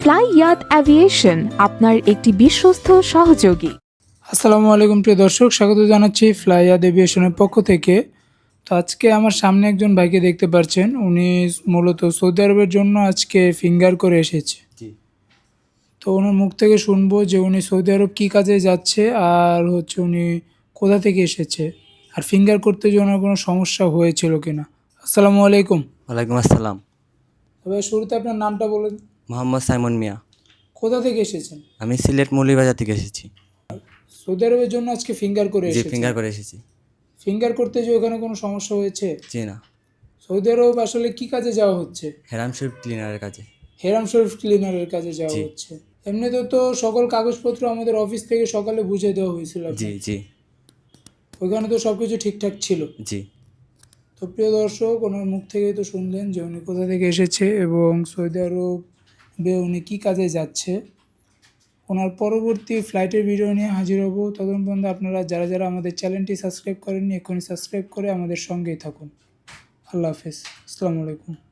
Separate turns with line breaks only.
Fly ইয়াত aviation আপনার একটি বিশ্বস্ত সহযোগী।
আসসালামু আলাইকুম প্রিয় দর্শক, স্বাগত জানাচ্ছি ফ্লাই ইয়াত এভিয়েশনের পক্ষ থেকে। তো আজকে আমার সামনে একজন ভাইকে দেখতে পাচ্ছেন, উনি মূলত সৌদি আরবের জন্য আজকে ফিঙ্গার করে এসেছে। তো ওনার মুখ থেকে শুনবো যে উনি সৌদি আরব কী কাজে যাচ্ছে আর হচ্ছে উনি কোথা থেকে এসেছে, আর ফিঙ্গার করতে যে ওনার কোনো সমস্যা হয়েছিল কিনা। আসসালামু আলাইকুম।
ওয়ালাইকুম আসসালাম।
তবে শুরুতে আপনার নামটা বলেন।
মোহাম্মদ সাইমন মিয়া।
কোথা থেকে এসেছেন?
আমি সিলেট মৌলভীবাজার থেকে এসেছি।
সৌদি আরবের জন্য আজকে ফিঙ্গার করে
জি,
এসেছেন।
ফিঙ্গার করে এসেছি।
ফিঙ্গার করতে যে ওখানে কোনো সমস্যা হয়েছে?
জি না,
সৌদি আরব আসলে কি কাজে যাওয়া হচ্ছে?
হেরাম শরীফ ক্লিনারের কাজে।
হেরাম শরীফ ক্লিনারের কাজে যাওয়া
জি।
হচ্ছে। এমনিতে তো সকল কাগজপত্র আমাদের অফিস থেকে সকালে বুঝিয়ে দেওয়া হয়েছিল
জি
আপনাকে।
জি
ওইখানে তো সব কিছু ঠিকঠাক ছিল।
জি।
তো প্রিয় দর্শক, ওনার মুখ থেকেই তো শুনলেন যে উনি কোথা থেকে এসেছে এবং সৌদি আরবে উনি কী কাজে যাচ্ছে। ওনার পরবর্তী ফ্লাইটের ভিডিও নিয়ে হাজির হব। ততক্ষণ পর্যন্ত আপনারা যারা যারা আমাদের চ্যানেলটি সাবস্ক্রাইব করেননি, এখনই সাবস্ক্রাইব করে আমাদের সঙ্গেই থাকুন। আল্লাহ হাফেজ। আসসালামু আলাইকুম।